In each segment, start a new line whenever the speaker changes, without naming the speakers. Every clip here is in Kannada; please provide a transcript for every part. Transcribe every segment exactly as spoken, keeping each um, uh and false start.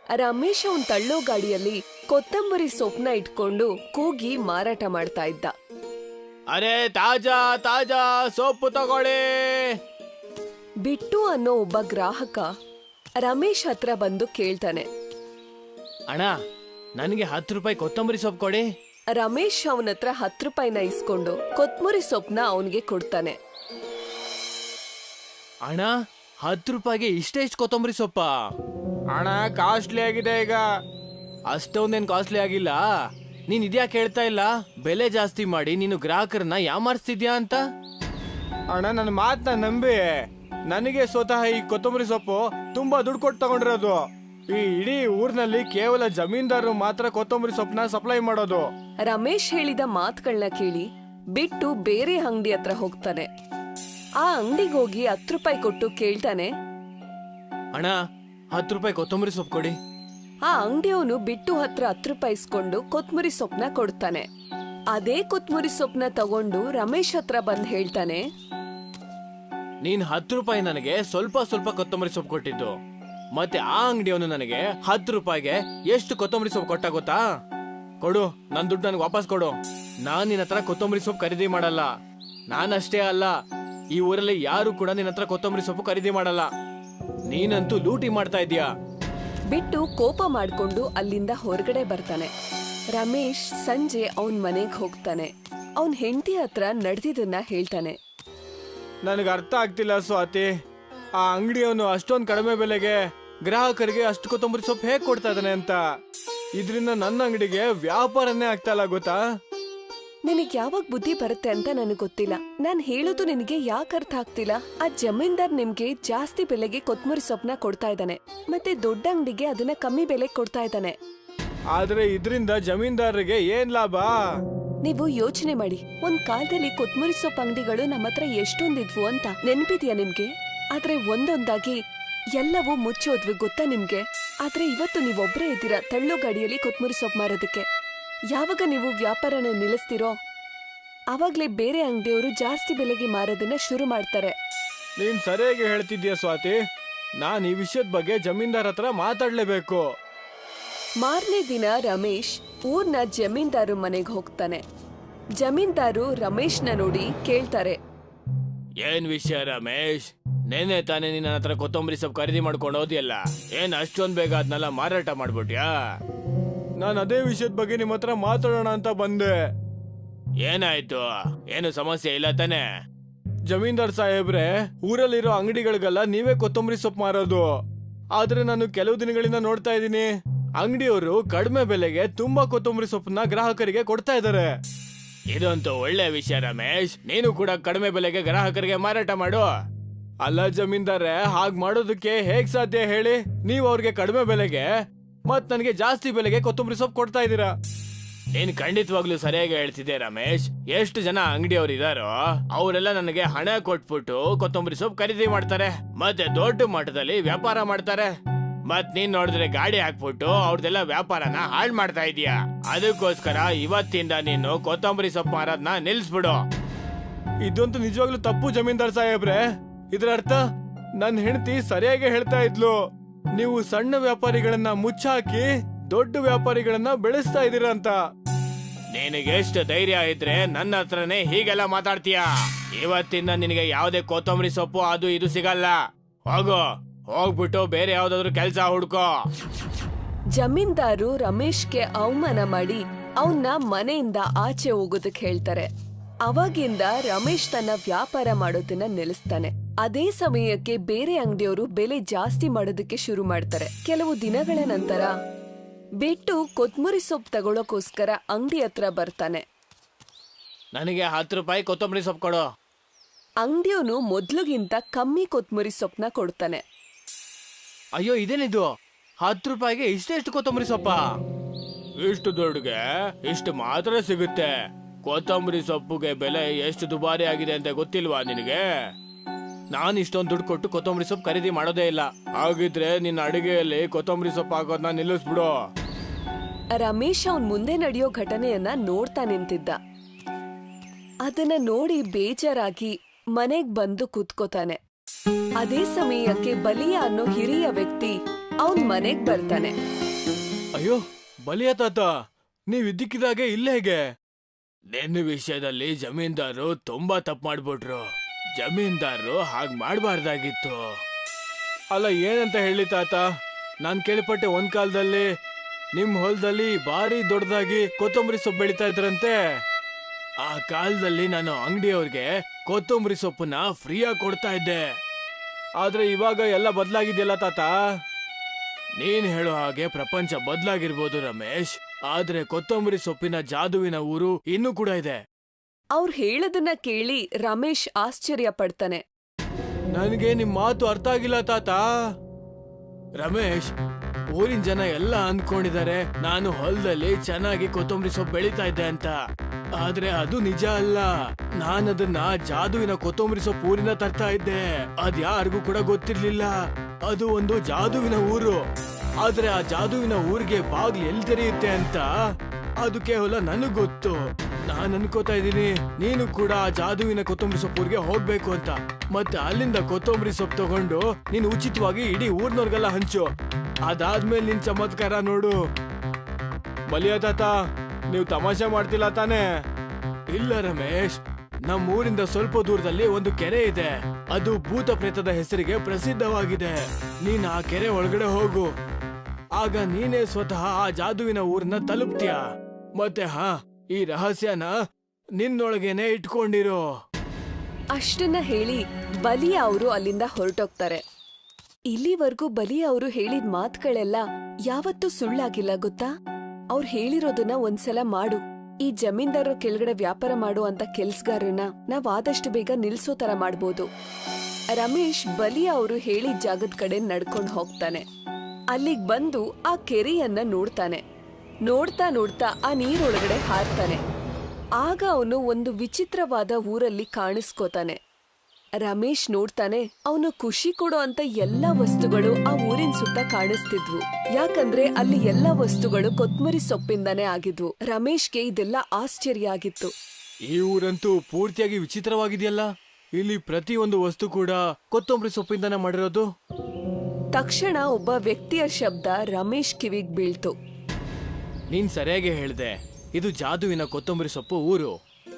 ರಮೇಶ್ ಅವನ್ ತಳ್ಳೋ ಗಾಡಿಯಲ್ಲಿ ಕೊತ್ತಂಬರಿ ಸೊಪ್ಪನ್ನ ಇಟ್ಕೊಂಡು ಕೂಗಿ ಮಾರಾಟ ಮಾಡ್ತಾ ಇದ್ದ.
ಅರೆ ತಾಜಾ ತಾಜಾ ಸೊಪ್ಪು ತಗೊಳ್ಳಿ.
ಬಿಟ್ಟು ಅನ್ನೋ ಒಬ್ಬ ಗ್ರಾಹಕ ರಮೇಶ್ ಹತ್ರ ಬಂದು ಕೇಳ್ತಾನೆ,
ಅಣ್ಣ ನನಗೆ ಹತ್ತು ರೂಪಾಯಿ ಕೊತ್ತಂಬರಿ ಸೊಪ್ಪು ಕೊಡಿ.
ರಮೇಶ್ ಅವನ ಹತ್ರ ಹತ್ತು ರೂಪಾಯಿನ ಇಸ್ಕೊಂಡು ಕೊತ್ತಂಬರಿ ಸೊಪ್ಪನ್ನ ಅವನ್ಗೆ ಕೊಡ್ತಾನೆ.
ಅಣ್ಣ ಹತ್ತು ರೂಪಾಯಿಗೆ ಇಷ್ಟೆಷ್ಟು ಕೊತ್ತಂಬರಿ ಸೊಪ್ಪ? ಅಣ್ಣ ಕಾಸ್ಟ್ಲಿ ಆಗಿದೆ ಈಗ. ಅಷ್ಟೊಂದೇನ್ ಕಾಸ್ಟ್ಲಿ ಆಗಿಲ್ಲ. ನೀನ್ ಇದ್ಯಾಕೆ ಹೇಳ್ತಾ ಇಲ್ಲ? ಬೆಲೆ ಜಾಸ್ತಿ ಮಾಡಿ ನೀನು ಗ್ರಾಹಕರನ್ನ ಯಾಮಾರಿಸ್ತಿದ್ಯಾ ಅಂತ. ಅಣ್ಣ ನನ್ನ ಮಾತನ್ನ ನಂಬಿ, ನನಗೆ ಸ್ವತಃ ಈ ಕೊತ್ತಂಬರಿ ಸೊಪ್ಪು ತುಂಬಾ ದುಡ್ಡು ಕೊಟ್ಟು ತಗೊಂಡಿರೋದು. ಈ ಇಡೀ ಊರ್ನಲ್ಲಿ ಕೇವಲ ಜಮೀನ್ದಾರರು ಮಾತ್ರ ಕೊತ್ತಂಬರಿ ಸೊಪ್ಪನ್ನ ಸಪ್ಲೈ ಮಾಡೋದು.
ರಮೇಶ್ ಹೇಳಿದ ಮಾತುಗಳನ್ನ ಕೇಳಿ ಬಿಟ್ಟು ಬೇರೆ ಅಂಗಡಿ ಹತ್ರ ಹೋಗ್ತಾನೆ. ಆ ಅಂಗಡಿಗೆ ಹೋಗಿ ಹತ್ತು ರೂಪಾಯಿ ಕೊಟ್ಟು ಕೇಳ್ತಾನೆ,
ಅಣ್ಣ ಹತ್ತು ರೂಪಾಯಿ ಕೊತ್ತಂಬರಿ ಸೊಪ್ಪು ಕೊಡಿ.
ಆ ಅಂಗಡಿಯವನು ಬಿಟ್ಟು ಹತ್ರ ಹತ್ತು ರೂಪಾಯಿ ಇಸ್ಕೊಂಡು ಕೊತ್ತಂಬರಿ ಸೊಪ್ಪನ್ನ ಕೊಡ್ತಾನೆ. ಅದೇ ಕೊತ್ತಂಬರಿ ಸೊಪ್ಪನ್ನ ತಗೊಂಡು ರಮೇಶ್ ಹತ್ರ ಬಂದ್ ಹೇಳ್ತಾನೆ,
ನೀನ್ ಹತ್ತು ರೂಪಾಯಿ ನನಗೆ ಸ್ವಲ್ಪ ಸ್ವಲ್ಪ ಕೊತ್ತಂಬರಿ ಸೊಪ್ಪು ಕೊಟ್ಟಿದ್ದು, ಮತ್ತೆ ಆ ಅಂಗಡಿಯವನು ನನಗೆ ಹತ್ತು ರೂಪಾಯಿಗೆ ಎಷ್ಟು ಕೊತ್ತಂಬರಿ ಸೊಪ್ಪು ಕೊಟ್ಟ ಗೊತ್ತಾ? ಕೊಡು, ನನ್ ದುಡ್ಡು ನನಗೆ ವಾಪಸ್ ಕೊಡು. ನಾನ್ ನಿನ್ನ ಹತ್ರ ಕೊತ್ತಂಬರಿ ಸೊಪ್ಪು ಖರೀದಿ ಮಾಡಲ್ಲ. ನಾನಷ್ಟೇ ಅಲ್ಲ, ಈ ಊರಲ್ಲಿ ಯಾರು ಕೂಡ ನಿನ್ನ ಹತ್ರ ಕೊತ್ತಂಬರಿ ಸೊಪ್ಪು ಖರೀದಿ ಮಾಡಲ್ಲ. ನೀನಂತೂ ಲೂಟಿ ಮಾಡ್ತಾ ಇದೀಯಾ.
ಬಿಟ್ಟು ಕೋಪ ಮಾಡ್ಕೊಂಡು ಅಲ್ಲಿಂದ ಹೊರಗಡೆ ಬರ್ತಾನೆ. ರಮೇಶ್ ಸಂಜೆ ಅವನ್ ಮನೆಗ್ ಹೋಗ್ತಾನೆ. ಅವನ್ ಹೆಂಡತಿ ಹತ್ರ ನಡೆದಿದ್ದನ್ನ ಹೇಳ್ತಾನೆ.
ನನಗೆ ಅರ್ಥ ಆಗ್ತಿಲ್ಲ ಸ್ವಾತಿ, ಆ ಅಂಗಡಿಯವನು ಅಷ್ಟೊಂದು ಕಡಿಮೆ ಬೆಲೆಗೆ ಗ್ರಾಹಕರಿಗೆ ಅಷ್ಟು ಕೊತ್ತಂಬರಿ ಸೊಪ್ಪು ಹೇಗ್ ಕೊಡ್ತಾ ಇದ್ದಾನೆ ಅಂತ. ಇದರಿಂದ ನನ್ನ ಅಂಗಡಿಗೆ ವ್ಯಾಪಾರನೇ ಆಗ್ತಾ ಇಲ್ಲ ಗೊತ್ತಾ?
ನಿನಗ್ ಯಾವಾಗ ಬುದ್ಧಿ ಬರುತ್ತೆ ಅಂತ ನನಗ್ ಗೊತ್ತಿಲ್ಲ. ನಾನ್ ಹೇಳೋದು ನಿನಗೆ ಯಾಕೆ ಅರ್ಥ ಆಗ್ತಿಲ್ಲ? ಆ ಜಮೀನ್ದಾರ್ ನಿಮ್ಗೆ ಜಾಸ್ತಿ ಬೆಲೆಗೆ ಕೊತ್ತಂಬರಿ ಸೊಪ್ಪನ್ನ ಕೊಡ್ತಾ ಇದ್ದಾನೆ, ಮತ್ತೆ ದೊಡ್ಡ ಅಂಗಡಿಗೆ ಅದನ್ನ ಕಮ್ಮಿ ಬೆಲೆ ಕೊಡ್ತಾ ಇದ್ದಾನೆ.
ಆದ್ರೆ ಇದರಿಂದ ಜಮೀನ್ದಾರರಿಗೆ ಏನ್ ಲಾಭ?
ನೀವು ಯೋಚನೆ ಮಾಡಿ, ಒಂದ್ ಕಾಲದಲ್ಲಿ ಕೊತ್ತಂಬರಿ ಸೊಪ್ಪು ಅಂಗಡಿಗಳು ನಮ್ಮ ಹತ್ರ ಎಷ್ಟೊಂದಿದ್ವು ಅಂತ ನೆನ್ಪಿದ್ಯಾ ನಿಮ್ಗೆ? ಆದ್ರೆ ಒಂದೊಂದಾಗಿ ಎಲ್ಲವೂ ಮುಚ್ಚೋದ್ವಿ ಗೊತ್ತಾ ನಿಮ್ಗೆ? ಆದ್ರೆ ಇವತ್ತು ನೀವೊಬ್ರೇ ಇದ್ದೀರಾ ತಳ್ಳೋ ಗಾಡಿಯಲ್ಲಿ ಕೊತ್ತಂಬರಿ ಸೊಪ್ಪು ಮಾರೋದಕ್ಕೆ. ಯಾವಾಗ ನೀವು ವ್ಯಾಪಾರನ ನಿಲ್ಲಿಸ್ತಿರೋ ಆವಾಗ್ಲೇ ಬೇರೆ ಅಂಗಡಿಯವರು ಜಾಸ್ತಿ ಬೆಲೆಗೆ ಮಾರೋದನ್ನ ಶುರು ಮಾಡ್ತಾರೆ.
ನೀನ್ ಸರಿಯಾಗಿ ಹೇಳ್ತಿದ್ಯಾ ಸ್ವಾತಿ. ನಾನ್ ಈ ವಿಷಯದ ಬಗ್ಗೆ ಜಮೀನ್ದಾರ್ ಹತ್ರ ಮಾತಾಡ್ಲೇಬೇಕು.
ಮಾರನೇ ದಿನ ರಮೇಶ್ ಊರ್ನ ಜಮೀನ್ದಾರು ಮನೆಗೆ ಹೋಗ್ತಾನೆ. ಜಮೀನ್ದಾರು ರಮೇಶ್ನ ನೋಡಿ ಕೇಳ್ತಾರೆ,
ಏನ್ ವಿಷಯ ರಮೇಶ್? ನೆನೆ ತಾನೇ ನಿನ್ನ ಹತ್ರ ಕೊತ್ತಂಬರಿ ಸೊಪ್ಪು ಖರೀದಿ ಮಾಡ್ಕೊಂಡು ಹೋದಿಯಲ್ಲ, ಏನ್ ಅಷ್ಟೊಂದ್ ಬೇಗ ಅದನ್ನೆಲ್ಲ ಮಾರಾಟ ಮಾಡ್ಬಿಟ್ಯಾ? ನಾನು ಅದೇ ವಿಷಯದ ಬಗ್ಗೆ ನಿಮ್ಮ ಹತ್ರ ಮಾತಾಡೋಣ ಅಂತ ಬಂದೆ. ಏನಾಯ್ತು? ಏನು ಸಮಸ್ಯೆ ಇಲ್ಲ ತಾನೆ? ಜಮೀನ್ದಾರ್ ಸಾಹೇಬ್ರೆ, ಊರಲ್ಲಿರೋ ಅಂಗಡಿಗಳಿಗೆಲ್ಲ ನೀವೇ ಕೊತ್ತಂಬರಿ ಸೊಪ್ಪು ಮಾರೋದು. ಆದ್ರೆ ನಾನು ಕೆಲವು ದಿನಗಳಿಂದ ನೋಡ್ತಾ ಇದ್ದೀನಿ, ಅಂಗಡಿಯವರು ಕಡಿಮೆ ಬೆಲೆಗೆ ತುಂಬಾ ಕೊತ್ತಂಬರಿ ಸೊಪ್ಪನ್ನ ಗ್ರಾಹಕರಿಗೆ ಕೊಡ್ತಾ ಇದ್ದಾರೆ. ಇದಂತೂ ಒಳ್ಳೆ ವಿಷಯ ರಮೇಶ್. ನೀನು ಕೂಡ ಕಡಿಮೆ ಬೆಲೆಗೆ ಗ್ರಾಹಕರಿಗೆ ಮಾರಾಟ ಮಾಡು. ಅಲ್ಲ ಜಮೀನ್ದಾರೆ, ಹಾಗ್ ಮಾಡೋದಕ್ಕೆ ಹೇಗ್ ಸಾಧ್ಯ ಹೇಳಿ? ನೀವು ಅವ್ರಿಗೆ ಕಡಿಮೆ ಬೆಲೆಗೆ ಮತ್ ನನಗೆ ಜಾಸ್ತಿ ಬೆಲೆಗೆ ಕೊತ್ತಂಬರಿ ಸೊಪ್ಪು ಕೊಡ್ತಾ ಇದ್ದೀರಾ. ನೀನ್ ಖಂಡಿತವಾಗ್ಲೂ ಸರಿಯಾಗಿ ಹೇಳ್ತಿದ್ದೆ ರಮೇಶ್. ಎಷ್ಟು ಜನ ಅಂಗಡಿಯವರು ಇದಾರೋ ಅವರೆಲ್ಲ ನನಗೆ ಹಣ ಕೊಟ್ಬಿಟ್ಟು ಕೊತ್ತಂಬರಿ ಸೊಪ್ಪು ಖರೀದಿ ಮಾಡ್ತಾರೆ, ಮತ್ತೆ ದೊಡ್ಡ ಮಟ್ಟದಲ್ಲಿ ವ್ಯಾಪಾರ ಮಾಡ್ತಾರೆ. ಮತ್ ನೀನ್ ನೋಡಿದ್ರೆ ಗಾಡಿ ಹಾಕ್ಬಿಟ್ಟು ಅವ್ರದೆಲ್ಲ ವ್ಯಾಪಾರನ ಹಾಳ್ ಮಾಡ್ತಾ ಇದೀಯಾ. ಅದಕ್ಕೋಸ್ಕರ ಇವತ್ತಿಂದ ನೀನು ಕೊತ್ತಂಬರಿ ಸೊಪ್ಪು ಮಾರೋದ್ನ ನಿಲ್ಸ್ಬಿಡು. ಇದಂತೂ ನಿಜವಾಗ್ಲೂ ತಪ್ಪು ಜಮೀನ್ದಾರ್ ಸಾಹೇಬ್ರೆ. ಇದ್ರ ಅರ್ಥ ನನ್ ಹೆಂಡತಿ ಸರಿಯಾಗಿ ಹೇಳ್ತಾ ಇದ್ಲು, ನೀವು ಸಣ್ಣ ವ್ಯಾಪಾರಿಗಳನ್ನ ಮುಚ್ಚಾಕಿ ದೊಡ್ಡ ವ್ಯಾಪಾರಿಗಳನ್ನ ಬೆಳೆಸ್ತಾ ಇದೀರ ಅಂತ. ನಿನಗೆ ಎಷ್ಟು ಧೈರ್ಯ ಇದ್ರೆ ನನ್ನ ಹತ್ರನೇ ಹೀಗೆಲ್ಲ ಮಾತಾಡ್ತೀಯ? ಇವತ್ತಿಂದ ನಿನಗೆ ಯಾವುದೇ ಕೊತ್ತಂಬರಿ ಸೊಪ್ಪು ಅದು ಇದು ಸಿಗಲ್ಲ. ಹೋಗು, ಹೋಗ್ಬಿಟ್ಟು ಬೇರೆ ಯಾವ್ದಾದ್ರು ಕೆಲ್ಸ ಹುಡ್ಕೋ.
ಜಮೀನ್ದಾರು ರಮೇಶ್ಗೆ ಅವಮಾನ ಮಾಡಿ ಅವನ್ನ ಮನೆಯಿಂದ ಆಚೆ ಹೋಗೋದಕ್ಕೆ ಹೇಳ್ತಾರೆ. ಅವಾಗಿಂದ ರಮೇಶ್ ತನ್ನ ವ್ಯಾಪಾರ ಮಾಡೋದನ್ನ ನಿಲ್ಲಿಸ್ತಾನೆ. ಅದೇ ಸಮಯಕ್ಕೆ ಬೇರೆ ಅಂಗಡಿಯವರು ಬೆಲೆ ಜಾಸ್ತಿ ಮಾಡೋದಕ್ಕೆ ಶುರು ಮಾಡ್ತಾರೆ. ಕೆಲವು ದಿನಗಳ ನಂತರ ಬಿಟ್ಟು ಕೊತ್ತಂಬರಿ ಸೊಪ್ಪು ತಗೊಳ್ಳೋಕೋಸ್ಕರ ಅಂಗಡಿ ಹತ್ರ ಬರ್ತಾನೆ.
ನನಗೆ ಹತ್ತು ರೂಪಾಯಿ ಕೊತ್ತಂಬರಿ ಸೊಪ್ಪು ಕೊಡು.
ಅಂಗಡಿಯವನು ಮೊದ್ಲಿಗಿಂತ ಕಮ್ಮಿ ಕೊತ್ತಂಬರಿ ಸೊಪ್ಪನ್ನ ಕೊಡ್ತಾನೆ.
ಅಯ್ಯೋ, ಇದೇನಿದು? ಹತ್ತು ರೂಪಾಯಿಗೆ ಇಷ್ಟೆಷ್ಟು ಕೊತ್ತಂಬರಿ ಸೊಪ್ಪ? ಇಷ್ಟು ದೊಡ್ಡಗೆ ಇಷ್ಟು ಮಾತ್ರ ಸಿಗುತ್ತೆ. ಕೊತ್ತಂಬರಿ ಸೊಪ್ಪುಗೆ ಬೆಲೆ ಎಷ್ಟು ದುಬಾರಿ ಆಗಿದೆ ಅಂತ ಗೊತ್ತಿಲ್ವಾ ನಿನಗೆ? ನಾನು ಇಷ್ಟೊಂದು ದುಡ್ಡು ಕೊಟ್ಟು ಕೊತ್ತಂಬರಿ ಸೊಪ್ಪು ಖರೀದಿ ಮಾಡೋದೇ ಇಲ್ಲ. ಹಾಗಿದ್ರೆ ನಿನ್ನ ಅಡಿಗೆಯಲ್ಲಿ ಕೊತ್ತಂಬರಿ ಸೊಪ್ಪು ಹಾಕೋದನ್ನ ನಿಲ್ಲಿಸ್ಬಿಡು.
ರಮೇಶ್ ಅವನ್ ಮುಂದೆ ನಡೆಯೋ ಘಟನೆಯನ್ನ ನೋಡ್ತಾ ನಿಂತಿದ್ದ. ಅದನ್ನ ನೋಡಿ ಬೇಜಾರಾಗಿ ಮನೆಗ್ ಬಂದು ಕೂತ್ಕೋತಾನೆ. ಅದೇ ಸಮಯಕ್ಕೆ ಬಲಿಯ ಅನ್ನೋ ಹಿರಿಯ ವ್ಯಕ್ತಿ ಅವನ್ ಮನೆಗ್ ಬರ್ತಾನೆ.
ಅಯ್ಯೋ ಬಲಿಯ ತಾತ, ನೀವ್ ಇದ್ದಕ್ಕಿದಾಗೆ ಇಲ್ಲ ಹೇಗೆ? ನಿನ್ನ ವಿಷಯದಲ್ಲಿ ಜಮೀನ್ದಾರು ತುಂಬಾ ತಪ್ಪು ಮಾಡ್ಬಿಟ್ರು. ಜಮೀನ್ದಾರರು ಹಾಗ್ ಮಾಡ್ಬಾರ್ದಾಗಿತ್ತು. ಅಲ್ಲ ಏನಂತ ಹೇಳಿ ತಾತ, ನಾನ್ ಕೇಳಿಪಟ್ಟೆ ಒಂದ್ ಕಾಲದಲ್ಲಿ ನಿಮ್ ಹೊಲದಲ್ಲಿ ಭಾರಿ ದೊಡ್ಡದಾಗಿ ಕೊತ್ತಂಬರಿ ಸೊಪ್ಪು ಬೆಳಿತಾ ಇದ್ರಂತೆ. ಆ ಕಾಲದಲ್ಲಿ ನಾನು ಅಂಗಡಿಯವ್ರಿಗೆ ಕೊತ್ತಂಬರಿ ಸೊಪ್ಪನ್ನ ಫ್ರೀಯಾಗಿ ಕೊಡ್ತಾ ಇದ್ದೆ. ಆದ್ರೆ ಇವಾಗ ಎಲ್ಲ ಬದಲಾಗಿದೆಯಲ್ಲ ತಾತ. ನೀನ್ ಹೇಳೋ ಹಾಗೆ ಪ್ರಪಂಚ ಬದಲಾಗಿರ್ಬೋದು ರಮೇಶ್, ಆದ್ರೆ ಕೊತ್ತಂಬರಿ ಸೊಪ್ಪಿನ ಜಾದುವಿನ ಊರು ಇನ್ನೂ ಕೂಡ ಇದೆ.
ಅವ್ರು ಹೇಳೋದನ್ನ ಕೇಳಿ ರಮೇಶ್ ಆಶ್ಚರ್ಯ ಪಡ್ತಾನೆ.
ನನಗೆ ನಿಮ್ ಮಾತು ಅರ್ಥ ಆಗಿಲ್ಲ ತಾತ. ರಮೇಶ್, ಊರಿನ ಜನ ಎಲ್ಲ ಅಂದ್ಕೊಂಡಿದ್ದಾರೆ ನಾನು ಹೊಲದಲ್ಲಿ ಚೆನ್ನಾಗಿ ಕೊತ್ತಂಬರಿ ಸೊಪ್ಪು ಬೆಳೀತಾ ಇದ್ದೆ ಅಂತ. ಆದ್ರೆ ಅದು ನಿಜ ಅಲ್ಲ. ನಾನದನ್ನ ಜಾದುವಿನ ಕೊತ್ತಂಬರಿ ಸೊಪ್ಪು ಊರಿನ ತರ್ತಾ ಇದ್ದೆ. ಅದ್ ಯಾರಿಗೂ ಕೂಡ ಗೊತ್ತಿರ್ಲಿಲ್ಲ. ಅದು ಒಂದು ಜಾದುವಿನ ಊರು. ಆದ್ರೆ ಆ ಜಾದುವಿನ ಊರಿಗೆ ಬಾಗ್ಲು ಎಲ್ಲಿ ತೆರೆಯುತ್ತೆ ಅಂತ ಅದು ಕೇವಲ ನನಗ್ ಗೊತ್ತು. ನಾನ್ ಅನ್ಕೋತಾ ಇದ್ದೀನಿ ನೀನು ಕೂಡ ಆ ಜಾದುವಿನ ಕೊತ್ತಂಬರಿ ಸೊಪ್ಪು ಊರಿಗೆ ಹೋಗ್ಬೇಕು ಅಂತ. ಮತ್ತೆ ಅಲ್ಲಿಂದ ಕೊತ್ತಂಬರಿ ಸೊಪ್ಪು ತಗೊಂಡು ನೀನು ಉಚಿತವಾಗಿ ಇಡೀ ಊರ್ನವ್ರಿಗೆಲ್ಲ ಹಂಚು. ಅದಾದ್ಮೇಲೆ ನಿನ್ ಚಮತ್ಕಾರ ನೋಡು. ಬಲಿಯ ತಾತ, ನೀವು ತಮಾಷೆ ಮಾಡ್ತಿಲ್ಲ ತಾನೇ? ಇಲ್ಲ ರಮೇಶ್, ನಮ್ಮ ಊರಿಂದ ಸ್ವಲ್ಪ ದೂರದಲ್ಲಿ ಒಂದು ಕೆರೆ ಇದೆ. ಅದು ಭೂತ ಪ್ರೇತದ ಹೆಸರಿಗೆ ಪ್ರಸಿದ್ಧವಾಗಿದೆ. ನೀನ್ ಆ ಕೆರೆ ಒಳಗಡೆ ಹೋಗು. ಆಗ ನೀನೇ ಸ್ವತಃ ಆ ಜಾದುವಿನ ಊರನ್ನ ತಲುಪ್ತೀಯ. ಮತ್ತೆ ಹಾ, ಈ ರಹಸ್ಯನ ನಿನ್ನೊಳಗೇನೆ ಇಟ್ಕೊಂಡಿರೋ.
ಅಷ್ಟನ್ನ ಹೇಳಿ ಬಲಿಯ ಅವರು ಅಲ್ಲಿಂದ ಹೊರಟೋಗ್ತಾರೆ. ಇಲ್ಲಿವರೆಗೂ ಬಲಿಯ ಅವರು ಹೇಳಿದ ಮಾತುಗಳೆಲ್ಲ ಯಾವತ್ತೂ ಸುಳ್ಳಾಗಿಲ್ಲ ಗೊತ್ತಾ? ಅವ್ರು ಹೇಳಿರೋದನ್ನ ಒಂದ್ಸಲ ಮಾಡು. ಈ ಜಮೀನ್ದಾರ ಕೆಳಗಡೆ ವ್ಯಾಪಾರ ಮಾಡೋ ಅಂತ ಕೆಲ್ಸಗಾರನ್ನ ನಾವ್ ಆದಷ್ಟು ಬೇಗ ನಿಲ್ಸೋ ತರ ಮಾಡ್ಬೋದು. ರಮೇಶ್ ಬಲಿಯ ಅವರು ಹೇಳಿದ ಜಾಗದ ಕಡೆ ನಡ್ಕೊಂಡ್ ಹೋಗ್ತಾನೆ. ಅಲ್ಲಿಗ್ ಬಂದು ಆ ಕೆರೆಯನ್ನ ನೋಡ್ತಾನೆ. ನೋಡ್ತಾ ನೋಡ್ತಾ ಆ ನೀರೊಳಗಡೆ ಹಾರ್ತಾನೆ. ಆಗ ಅವನು ಒಂದು ವಿಚಿತ್ರವಾದ ಊರಲ್ಲಿ ಕಾಣಿಸ್ಕೋತಾನೆ. ರಮೇಶ್ ನೋಡ್ತಾನೆ, ಅವನು ಖುಷಿ ಕೊಡೋ ಅಂತ ಎಲ್ಲಾ ವಸ್ತುಗಳು ಆ ಊರಿನ ಸುತ್ತ ಕಾಣಿಸ್ತಿದ್ವು. ಯಾಕಂದ್ರೆ ಅಲ್ಲಿ ಎಲ್ಲಾ ವಸ್ತುಗಳು ಕೊತ್ಮರಿ ಸೊಪ್ಪಿಂದಾನೇ ಆಗಿದ್ವು. ರಮೇಶ್ಗೆ ಇದೆಲ್ಲ ಆಶ್ಚರ್ಯ ಆಗಿತ್ತು.
ಈ ಊರಂತೂ ಪೂರ್ತಿಯಾಗಿ ವಿಚಿತ್ರವಾಗಿದೆಯಲ್ಲ. ಇಲ್ಲಿ ಪ್ರತಿಯೊಂದು ವಸ್ತು ಕೂಡ ಕೊತ್ತಂಬರಿ ಸೊಪ್ಪಿಂದಾನೇ ಮಾಡಿರೋದು.
ತಕ್ಷಣ ಒಬ್ಬ ವ್ಯಕ್ತಿಯ ಶಬ್ದ ರಮೇಶ್ ಕಿವಿಗ್ ಬೀಳ್ತು.
ನೀನ್ ಸರಿಯಾಗಿ ಹೇಳ್ದೆ, ಇದು ಜಾದುವಿನ ಕೊತ್ತಂಬರಿ ಸೊಪ್ಪು ಊರು.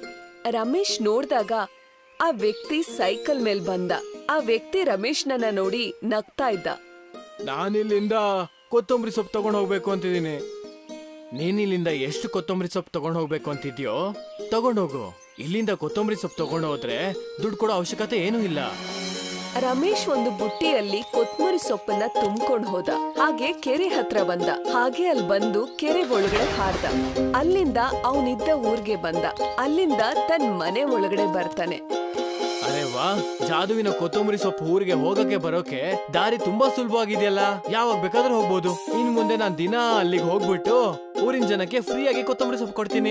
ರಮೇಶ್ ನೋಡ್ದಾಗ ಆ ವ್ಯಕ್ತಿ ಸೈಕಲ್ ಮೇಲ್ ಬಂದ. ಆ ವ್ಯಕ್ತಿ ರಮೇಶ್ನನ್ನ ನೋಡಿ ನಗ್ತಾ ಇದ್ದ.
ನಾನಿಲ್ಲಿಂದ ಕೊತ್ತಂಬರಿ ಸೊಪ್ಪು ತಗೊಂಡ್ ಹೋಗ್ಬೇಕು ಅಂತಿದ್ದೀನಿ. ನೀನಿಲ್ಲಿಂದ ಎಷ್ಟು ಕೊತ್ತಂಬರಿ ಸೊಪ್ಪು ತಗೊಂಡ್ ಹೋಗ್ಬೇಕು ಅಂತಿದ್ಯೋ ತಗೊಂಡೋಗು. ಇಲ್ಲಿಂದ ಕೊತ್ತಂಬರಿ ಸೊಪ್ಪು ತಗೊಂಡು ಹೋದ್ರೆ ದುಡ್ಡು ಕೊಡೋ ಅವಶ್ಯಕತೆ ಏನೂ ಇಲ್ಲ.
ರಮೇಶ್ ಒಂದು ಬುಟ್ಟಿಯಲ್ಲಿ ಕೊತ್ಮುರಿ ಸೊಪ್ಪನ್ನ ತುಂಬ್ಕೊಂಡ್ ಹೋದ. ಹಾಗೆ ಕೆರೆ ಹತ್ರ ಬಂದ. ಹಾಗೆ ಅಲ್ಲಿ ಬಂದು ಕೆರೆ ಒಳಗಡೆ ಹಾರ್ದ. ಅಲ್ಲಿಂದ ಅವನಿದ್ದ ಊರ್ಗೆ ಬಂದ. ಅಲ್ಲಿಂದ ತನ್ ಮನೆ ಒಳಗಡೆ ಬರ್ತಾನೆ.
ಅರೆ ವಾ, ಜಾದುವಿನ ಕೊತ್ತಂಬರಿ ಸೊಪ್ಪು ಊರಿಗೆ ಹೋಗಕ್ಕೆ ಬರೋಕೆ ದಾರಿ ತುಂಬಾ ಸುಲಭವಾಗಿದೆಯಲ್ಲ. ಯಾವಾಗ ಬೇಕಾದ್ರೂ ಹೋಗ್ಬೋದು. ಇನ್ ಮುಂದೆ ನಾನ್ ದಿನ ಅಲ್ಲಿಗೆ ಹೋಗ್ಬಿಟ್ಟು ಊರಿನ ಜನಕ್ಕೆ ಫ್ರೀ ಆಗಿ ಕೊತ್ತಂಬರಿ ಸೊಪ್ಪು ಕೊಡ್ತೀನಿ.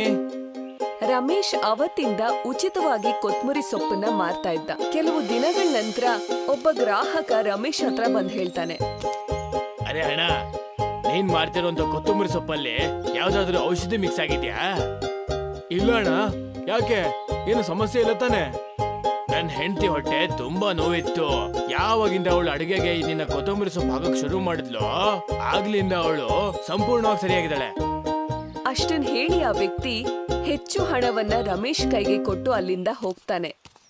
ರಮೇಶ್ ಅವತ್ತಿಂದ ಉಚಿತವಾಗಿ ಕೊತ್ಮುರಿ ಸೊಪ್ಪನ್ನ ಮಾರ್ತಾ ಇದ್ದ. ಕೆಲವು ದಿನಗಳ ನಂತರ ಒಬ್ಬ ಗ್ರಾಹಕ ರಮೇಶ್ ಹತ್ರ ಬಂದ್ ಹೇಳ್ತಾನೆ,
ಅರೆ ಅಣ್ಣ, ನೀನ್ ಮಾಡ್ತಿರೋಂತ ಕೊತ್ತಂಬರಿ ಸೊಪ್ಪಲ್ಲಿ ಯಾವ್ದಾದ್ರು ಔಷಧಿ ಮಿಕ್ಸ್ ಆಗಿದ್ಯಾ? ಇಲ್ಲ ಅಣ್ಣ, ಯಾಕೆ? ಏನು ಸಮಸ್ಯೆ ಇಲ್ಲ ತಾನೆ? ನನ್ ಹೆಂಡತಿ ಹೊಟ್ಟೆ ತುಂಬಾ ನೋವಿತ್ತು. ಯಾವಾಗಿಂದ ಅವಳು ಅಡಿಗೆಗೆ ನಿನ್ನ ಕೊತ್ತಂಬರಿ ಸೊಪ್ಪು ಹಾಕಕ್ ಶುರು ಮಾಡಿದ್ಲು, ಆಗ್ಲಿಂದ ಅವಳು ಸಂಪೂರ್ಣವಾಗಿ ಸರಿಯಾಗಿದ್ದಾಳೆ.
ಅಷ್ಟನ್ ಹೇಳಿ ಆ ವ್ಯಕ್ತಿ ಹೆಚ್ಚು ಹಣವನ್ನ ರಮೇಶ್ ಕೈಗೆ ಕೊಟ್ಟು ಅಲ್ಲಿಂದ ಹೋಗ್ತಾನೆ.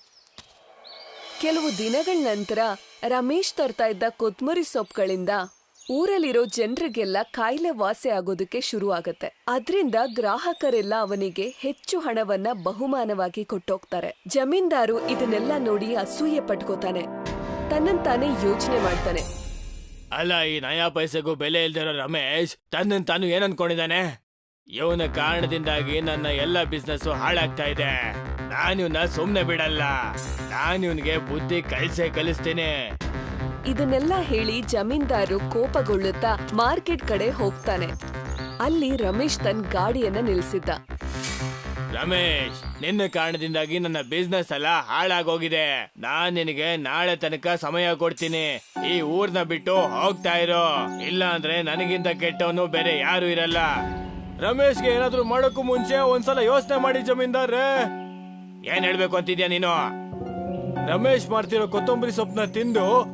ಕೆಲವು ದಿನಗಳ ನಂತರ ರಮೇಶ್ ತರ್ತಾ ಇದ್ದ ಕೊತ್ಮುರಿ ಸೊಪ್ಪುಗಳಿಂದ ಊರಲ್ಲಿರೋ ಜನರಿಗೆಲ್ಲ ಕಾಯಿಲೆ ವಾಸಿ ಆಗೋದಕ್ಕೆ ಶುರು ಆಗತ್ತೆ. ಅದ್ರಿಂದ ಗ್ರಾಹಕರೆಲ್ಲ ಅವನಿಗೆ ಹೆಚ್ಚು ಹಣವನ್ನ ಬಹುಮಾನವಾಗಿ ಕೊಟ್ಟೋಗ್ತಾರೆ. ಜಮೀನ್ದಾರು ಇದನ್ನೆಲ್ಲ ನೋಡಿ ಅಸೂಯೆ ಪಟ್ಕೋತಾನೆ. ತನ್ನಂತಾನೆ ಯೋಚನೆ ಮಾಡ್ತಾನೆ,
ಅಲ್ಲ, ಈ ನಯಾ ಪೈಸೆಗೂ ಬೆಲೆ ಇಲ್ದಿರೋ ರಮೇಶ್ ತನ್ನನ್ ತಾನು ಏನ್ ಅನ್ಕೊಂಡಿದ್ದಾನೆ? ಇವನ ಕಾರಣದಿಂದಾಗಿ ನನ್ನ ಎಲ್ಲ ಬಿಸ್ನೆಸ್ ಹಾಳಾಗ್ತಾ ಇದೆ. ನಾನು ಇವನ್ನ ಸುಮ್ನೆ ಬಿಡಲ್ಲ. ನಾನು ಇವನ್ಗೆ ಬುದ್ಧಿ ಕಲ್ಸೇ ಕಲಿಸ್ತೀನಿ.
ಇದನ್ನೆಲ್ಲ ಹೇಳಿ ಜಮೀನ್ದಾರು ಕೋಪಗೊಳ್ಳುತ್ತಾ ಮಾರ್ಕೆಟ್ ಕಡೆ ಹೋಗ್ತಾನೆ. ಅಲ್ಲಿ ರಮೇಶ್ ತನ್ನ ಗಾಡಿಯನ್ನ ನಿಲ್ಸಿದ್ದ.
ರಮೇಶ್, ನಿನ್ನ ಕಾರಣದಿಂದಾಗಿ ನನ್ನ ಬಿಸ್ನೆಸ್ ಎಲ್ಲ ಹಾಳಾಗೋಗಿದೆ. ನಾನ್ ನಿನಗೆ ನಾಳೆ ತನಕ ಸಮಯ ಕೊಡ್ತೀನಿ. ಈ ಊರ್ನ ಬಿಟ್ಟು ಹೋಗ್ತಾ ಇರೋ, ಇಲ್ಲ ಅಂದ್ರೆ ನನಗಿಂತ ಕೆಟ್ಟವನು ಬೇರೆ ಯಾರು ಇರಲ್ಲ. ರಮೇಶ್ಗೆ ಏನಾದ್ರು ಮಾಡೋಕ್ಕೂ ಮುಂಚೆ ಒಂದ್ಸಲ ಯೋಚನೆ ಮಾಡಿ ಜಮೀನ್ದಾರ್ರೆ. ಏನ್ ಹೇಳ್ಬೇಕು ಅಂತಿದ್ಯಾ ನೀನು? ರಮೇಶ್ ಮಾಡ್ತಿರೋ ಕೊತ್ತಂಬರಿ ಸೊಪ್ಪನ್ನ ತಿಂದು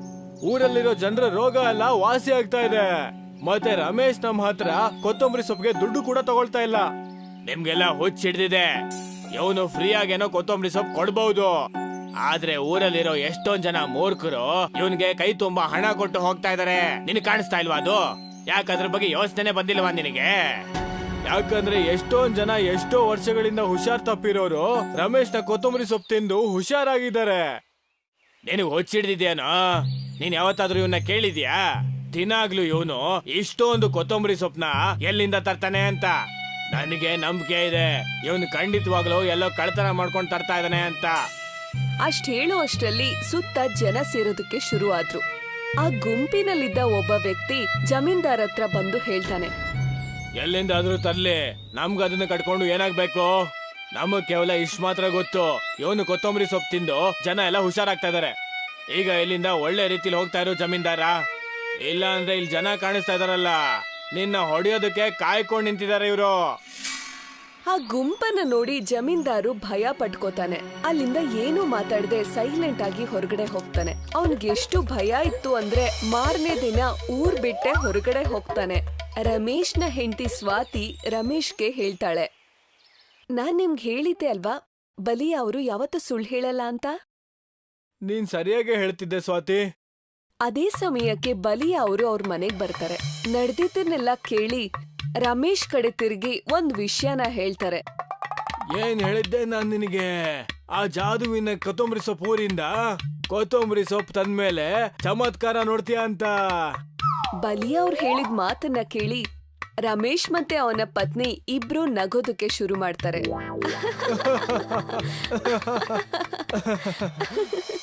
ಊರಲ್ಲಿರೋ ಜನರ ರೋಗ ಎಲ್ಲ ವಾಸಿ ಆಗ್ತಾ ಇದೆ. ಮತ್ತೆ ರಮೇಶ್ ನಮ್ಮ ಹತ್ರ ಕೊತ್ತಂಬರಿ ಸೊಪ್ಪಿಗೆ ದುಡ್ಡು ಕೂಡ ತಗೊಳ್ತಾ ಇಲ್ಲ. ನಿಮ್ಗೆಲ್ಲ ಹುಚ್ಚ ಹಿಡ್ದಿದೆ. ಇವನು ಫ್ರೀ ಆಗೇನೋ ಕೊತ್ತಂಬರಿ ಸೊಪ್ಪು ಕೊಡ್ಬಹುದು, ಆದ್ರೆ ಊರಲ್ಲಿರೋ ಎಷ್ಟೊಂದ್ ಜನ ಮೂರ್ಖರು ಇವನ್ಗೆ ಕೈ ತುಂಬಾ ಹಣ ಕೊಟ್ಟು ಹೋಗ್ತಾ ಇದಾರೆ. ನಿನ್ ಕಾಣಿಸ್ತಾ ಇಲ್ವಾ ಅದು? ಯಾಕಂದ್ರ ಬಗ್ಗೆ ಯೋಚನೆ ಬಂದಿಲ್ವಾ ನಿನಗೆ? ಯಾಕಂದ್ರೆ ಎಷ್ಟೊಂದ್ ಜನ ಎಷ್ಟೋ ವರ್ಷಗಳಿಂದ ಹುಷಾರ್ ತಪ್ಪಿರೋರು ರಮೇಶ್ ನ ಕೊತ್ತಂಬರಿ ಸೊಪ್ಪು ತಿಂದು ಹುಷಾರಾಗಿದ್ದಾರೆ. ನಿನಗ್ ಹುಚ್ಚಿಡ್ದಿದ್ಯಾನೋ? ನೀನ್ ಯಾವತ್ತಾದ್ರೂ ಇವನ್ನ ಕೇಳಿದ್ಯಾ ದಿನಾಗ್ಲೂ ಇವನು ಇಷ್ಟೊಂದು ಕೊತ್ತಂಬರಿ ಸೊಪ್ಪನ ಎಲ್ಲಿಂದ ತರ್ತಾನೆ ಅಂತ? ನನಗೆ ನಂಬಿಕೆ ಇದೆ ಇವನು ಖಂಡಿತವಾಗ್ಲೂ ಎಲ್ಲೋ ಕಳ್ತನ ಮಾಡ್ಕೊಂಡು ತರ್ತಾ ಇದ್ದಾನೆ ಅಂತ.
ಅಷ್ಟ್ ಹೇಳೋ ಅಷ್ಟರಲ್ಲಿ ಸುತ್ತ ಜನ ಸೇರೋದಕ್ಕೆ ಶುರು ಆದ್ರು. ಆ ಗುಂಪಿನಲ್ಲಿದ್ದ ಒಬ್ಬ ವ್ಯಕ್ತಿ ಜಮೀನ್ದಾರ್ ಹತ್ರ ಬಂದು ಹೇಳ್ತಾನೆ,
ಎಲ್ಲಿಂದಾದ್ರೂ ತರ್ಲಿ, ನಮ್ಗ ಅದನ್ನ ಕಟ್ಕೊಂಡು ಏನಾಗ್ಬೇಕು? ನಮಗ್ ಕೇವಲ ಇಷ್ಟ ಮಾತ್ರ ಗೊತ್ತು, ಇವನು ಕೊತ್ತಂಬರಿ ಸೊಪ್ಪು ತಿಂದು ಜನ ಎಲ್ಲ ಹುಷಾರಾಗ್ತಾ ಇದಾರೆ. ಈಗ ಇಲ್ಲಿಂದ ಒಳ್ಳೆ ರೀತಿಲಿ ಹೋಗ್ತಾ ಇರೋ ಜಮೀನ್ದಾರ, ಇಲ್ಲ ಅಂದ್ರೆ ಇಲ್ಲಿ ಜನ ಕಾಣಿಸ್ತಾ ಇದಾರಲ್ಲ, ನಿನ್ನ ಹೊಡೆಯೋದಕ್ಕೆ ಕಾಯ್ಕೊಂಡು ನಿಂತಿದ್ದಾರೆ ಇವರು.
ಆ ಗುಂಪನ್ನ ನೋಡಿ ಜಮೀನ್ದಾರು ಭಯ ಪಟ್ಕೋತಾನೆ. ಅಲ್ಲಿಂದ ಏನು ಮಾತಾಡದೆ ಸೈಲೆಂಟ್ ಆಗಿ ಹೊರಗಡೆ ಹೋಗ್ತಾನೆ. ಅವನ್ಗೆ ಎಷ್ಟು ಭಯ ಇತ್ತು ಅಂದ್ರೆ ಮಾರನೇ ದಿನ ಊರ್ ಬಿಟ್ಟೆ ಹೊರಗಡೆ ಹೋಗ್ತಾನೆ. ರಮೇಶ್ನ ಹೆಂಡತಿ ಸ್ವಾತಿ ರಮೇಶ್ಗೆ ಹೇಳ್ತಾಳೆ, ನಾನ್ ನಿಮ್ಗೆ ಹೇಳಿದ್ದೆ ಅಲ್ವಾ ಬಲಿ ಅವರು ಯಾವತ್ತೂ ಸುಳ್ಳು ಹೇಳಲ್ಲ ಅಂತ.
ನೀನ್ ಸರಿಯಾಗಿ ಹೇಳ್ತಿದ್ದೆ ಸ್ವಾತಿ.
ಅದೇ ಸಮಯಕ್ಕೆ ಬಲಿ ಅವರು ಅವ್ರ ಮನೆಗ್ ಬರ್ತಾರೆ. ನಡೆದಿದ್ದನ್ನೆಲ್ಲ ಕೇಳಿ ರಮೇಶ್ ಕಡೆ ತಿರುಗಿ ಒಂದ್ ವಿಷಯನ ಹೇಳ್ತಾರೆ.
ಏನ್ ಹೇಳಿದ್ದೆ ನಾನ್ ನಿನಗೆ? ಆ ಜಾದುವಿನ ಕೊತ್ತಂಬರಿ ಸೊಪ್ಪು ಊರಿಂದ ಕೊತ್ತಂಬರಿ ಸೊಪ್ಪು ತಂದ್ಮೇಲೆ ಚಮತ್ಕಾರ ನೋಡ್ತೀಯ ಅಂತ.
ಬಲಿ ಅವ್ರು ಹೇಳಿದ ಮಾತನ್ನ ಕೇಳಿ ರಮೇಶ್ ಮತ್ತೆ ಅವನ ಪತ್ನಿ ಇಬ್ರು ನಗೋದಕ್ಕೆ ಶುರು ಮಾಡ್ತಾರೆ.